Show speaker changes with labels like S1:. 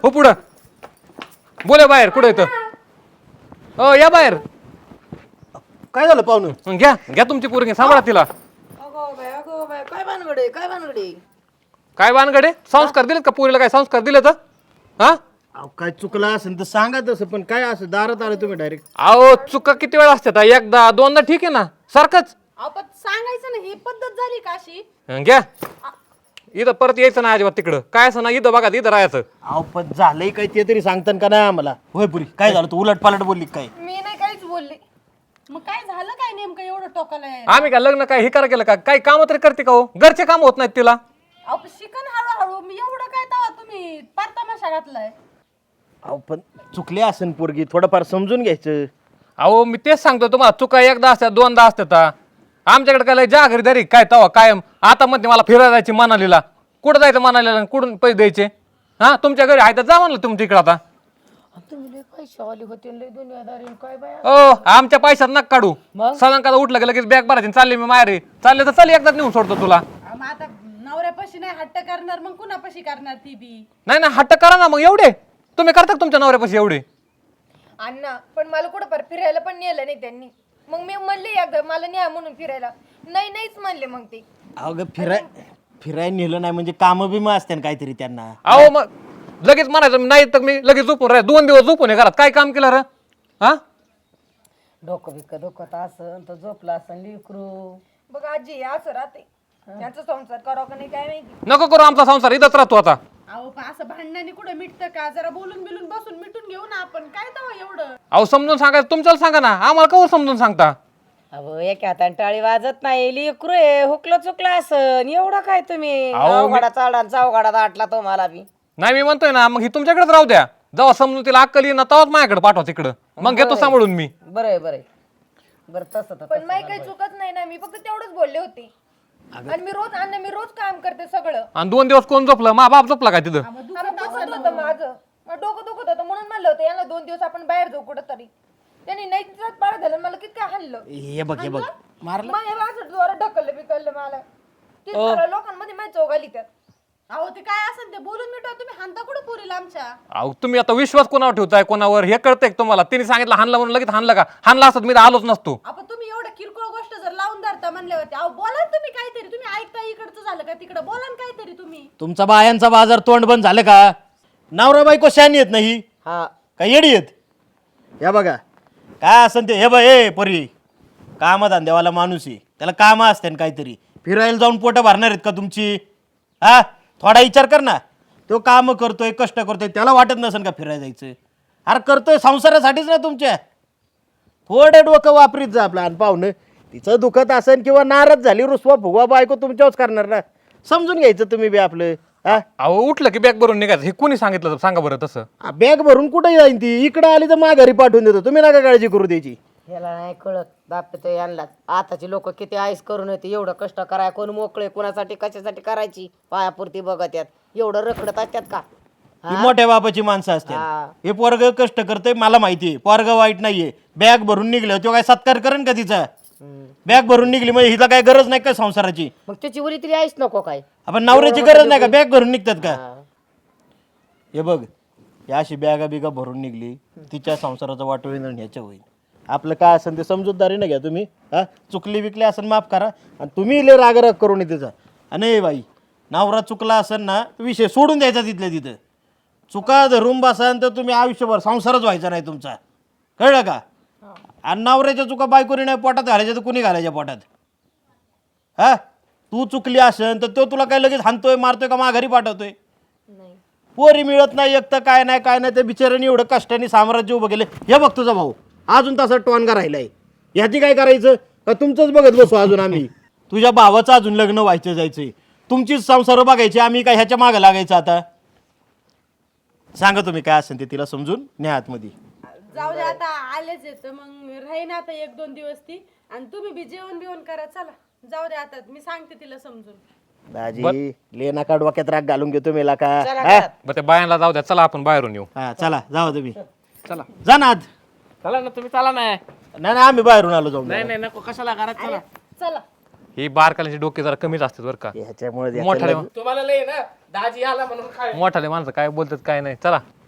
S1: हो पुढं बोले बाहेर कुठं येतं हो या बाहेर
S2: काय झालं पाहुणं?
S1: घ्या घ्या तुमची पोरगी सांभाळा तिला
S3: अगो बाय काय भानगडे काय भानगडे
S1: काय वानगडे संस्कार दिलेत का पोरीला काय संस्कार दिले तर हा
S2: अहो, काय चुकलं असेल तर सांगा तसं, पण काय असं दारात आलं तुम्ही डायरेक्ट?
S1: अहो चुका किती वेळा असतात एकदा दोनदा ठीक आहे ना सारखंच
S3: आपण सांगायचं ना ही पद्धत झाली का अशी
S1: घ्या इथं परत यायचं ना अजिबात तिकडं काय असं ना इथं बघा इथं राहायचं
S2: अहो पण झालंय काय ते तरी सांगतान का नाही आम्हाला? होय पुरी काय झालं, तू उलट पालट बोलली काय?
S3: मी नाही काहीच बोलले मग काय झालं काय नेमकं एवढं टोकाला आहे?
S1: आम्ही काय लग्न काय हे करा केलं का काही काम तरी करते का हो घरचे काम होत नाहीत तिला
S3: अहो शिकन हळूहळू मी एवढं काय तवा तुम्ही पार तमाशा घातलाय
S2: अहो पण चुकली असेल पोरगी, थोडंफार समजून घ्यायचं.
S1: अहो मी तेच सांगतो तुम्हाला चुका एकदा असतात दोनदा असतात आमच्याकडे काय लय जा घरी काय तवा कायम आता म्हणते मला फिरायला जायची मनालीला कुठं जायचं मनालीला कुठून पैसे द्यायचे हा तुमच्या घरी आहे तर जा म्हणलं तुमच्या इकडं आता
S3: तुम्ही लय पैसे आले होते लय दुनियादारी काय बाय
S1: ओ आमच्या पैशात नका काढू सदांकाला उठलं की लगेच बॅग भरायची चालले मी माहेरी चालले तर चल एकदाच नेऊन सोडतो तुला
S3: मग आता नवऱ्यापाशी नाही हट्ट करणार मग कुणापाशी करणार ती बी
S1: नाही ना हट्ट करा ना मग एवढे तुम्ही करता का तुमच्या नवऱ्यापाशी एवढे
S4: अण्णा पण मला कुठं पर फिरायला पण नेलं नाही त्यांनी मग मी म्हणले एकदा मला न्या म्हणून फिरायला नाहीच म्हणले मग ते
S2: अगं फिरायला नेलं नाही म्हणजे कामं बिमं असते काहीतरी त्यांना.
S1: अहो मग लगेच म्हणायचं नाही तर मी लगेच झोपून राह 2 दिवस झोपून आहे घरात काय काम केलं रे हा
S3: डोकं बिकं दुखत असं तर झोपला असं लिकरू
S4: बघ आजी असं राहते त्यांचा संसार करावं का नाही काय माहिती
S1: नको करू आमचा संसार इथंच राहतो आता
S3: अहो पण असं भांडणाने कुठं मिटतं का जरा बोलून बिलून बसून मिटून घेऊ ना आपण काय तवा एवढं
S1: अहो समजून सांगायचं तुमच्याला सांगा ना आम्हाला कवर समजून सांगता
S3: अहो एका हाताने टाळी वाजत नाही लिकरू आहे हुकलं चुकलं असं एवढं काय तुम्ही
S1: अहो,
S3: अवघडा चाडा चौघडा दाटला तुम्हाला बी
S1: नाही मी म्हणतोय ना मग ही तुमच्याकडेच राहू द्या जेव्हा समजून तिला अक्कल येईन ना तेव्हाच माझ्याकडे पाठवा तिकडं मग घेतो सांभाळून मी
S3: बरं बरं तसं तर
S4: पण माही काही चुकत नाही ना मी फक्त तेवढंच बोलले होते आणि मी रोज काम करते सगळं
S1: आणि 2 दिवस कोण झोपलं मा बाप झोपला काय तिथं
S4: आम्ही दुखत होतं माझं डोकं दुखत होतं म्हणून म्हणलं होतं यांना 2 दिवस आपण बाहेर जाऊ कुठं तरी त्यांनी नाही पाळ झालं मला किती हाणलं
S2: हे बघ
S4: मग हे असं जोरात ढकललं बिकललं मला ते सगळ्या लोकांमध्ये माझी चौक आली त्यात
S3: अहो ते काय असेल ते बोलून मिटवा तुम्ही हानता कुठं पुरीला आमच्या
S1: अहो तुम्ही आता विश्वास कोणावर ठेवताय कोणावर हे कळतंय का तुम्हाला तिने सांगितलं हाणलं म्हणून लगेच हाणलं का हाणला असत मी तर आलोच नसतो
S3: आपण तुम्ही एवढं किरकोळ गोष्ट जर लावून धरता म्हणले होते अहो बोला ना तुम्ही काहीतरी तुम्ही ऐकता इकडचं झालं का तिकडं बोला ना काहीतरी तुम्ही
S2: तुमचा बायांचा बाजार तोंड बंद झालं का? नवरा बायको शानी येत नाही का येडी येत? या बघा काय असन ते हे बघ ए परी कामधंद्यावाला माणूस आहे त्याला कामं असते ना काहीतरी फिरायला जाऊन पोटं भरणार आहेत का तुमची हा थोडा विचार कर ना तो काम करतोय कष्ट करतोय त्याला वाटत नसेल का फिरायला जायचं अरे करतोय संसारासाठीच ना तुमच्या थोडे डोकं वापरीत जा आपलं आणि पाहुणं तिचं दुखत असेल किंवा नाराज झाली रुसवा फुगवा बायको तुमच्यावरच करणार ना समजून घ्यायचं तुम्ही बी आपलं हा
S1: अहो उठलं की बॅग भरून निघायचं हे कोणी सांगितलं तर सांगा बरं तसं
S2: बॅग भरून कुठे जाईन ती इकडं आली तर माघारी पाठवून देतो तुम्ही नका काळजी करू द्यायची
S3: याला नाही कळत दापते यांना आताची लोक किती आईस करून येते एवढं कष्ट कराय कोण मोकळे कोणासाठी कशासाठी करायची पायापुरती बघत यात एवढं रखडत असतात का
S2: ही मोठ्या बापाची माणसं असतात हे पोरग कष्ट करते मला माहितीये पोरग वाईट नाहीये बॅग भरून निघलं तो काय सत्कार करेन का तिचा बॅग भरून निघली म्हणजे हिला काय गरज नाही का संसाराची
S3: मग त्याची उरी तरी आईस नको काय
S2: आपण नवऱ्याची गरज नाही का बॅग भरून निघतात का हे बघ या अशी बॅगा बिगा भरून निघली तिच्या संसाराचं वाटोळी ह्याच्या होईल आपलं काय असेल ते समजूतदारी घ्या तुम्ही हा चुकली विकली असेल माफ करा आणि तुम्ही लय रागराग करून तिचा आणि बाई नवरा चुकला असेल ना विषय सोडून द्यायचा तिथल्या तिथं चुका धरून बसाल तर तुम्ही आयुष्यभर संसारच व्हायचा नाही तुमचा कळलं का आणि नवऱ्याच्या चुका बायकोनी नाही पोटात घालायच्या तर कुणी घालायच्या पोटात हा तू चुकली असेल तर तो तुला काय लगेच हाणतोय मारतोय का माघारी पाठवतोय पोरी मिळत नाही एक तर काय नाही त्या बिचाऱ्याने एवढं कष्टाने साम्राज्य उभं केलं हे बघ तुझा भाऊ अजून तसा टोनगा राहिलाय ह्याची काय करायचं का तुमचंच बघत बसू अजून आम्ही तुझ्या भावाचं अजून लग्न व्हायचं जायचंय तुमचीच संसार बघायची आम्ही काय ह्याच्या मागं लागायचं आता सांगा तुम्ही काय असेल ते तिला समजून न्या आतमध्ये
S3: जाऊ दे आता आलेच येत मग राहीन आता 1-2 दिवस ती आणि तुम्ही बी जेवण बिवण करा चला जाऊ दे आता मी सांगते तिला समजून
S2: दाजी लेना का डोक्यात राग घालून घेतो मेला का
S1: बरं त्या बायांना जाऊ द्या चला आपण बाहेरून येऊ
S2: हा चला जाऊ तुम्ही
S5: चला
S2: जा ना आत.
S5: चला ना तुम्ही चला ना
S2: नाही आम्ही बाहेरून आलो जाऊन
S5: नाही नको कशाला घरात चला
S3: चला
S1: ही बारकाल्याची डोके जरा कमीच असतात बरं का.
S2: ह्याच्यामुळे
S1: मोठाले
S5: तुम्हाला लय ना दाजी आला म्हणून काय
S1: मोठाले माणसं काय बोलतात काय नाही. चला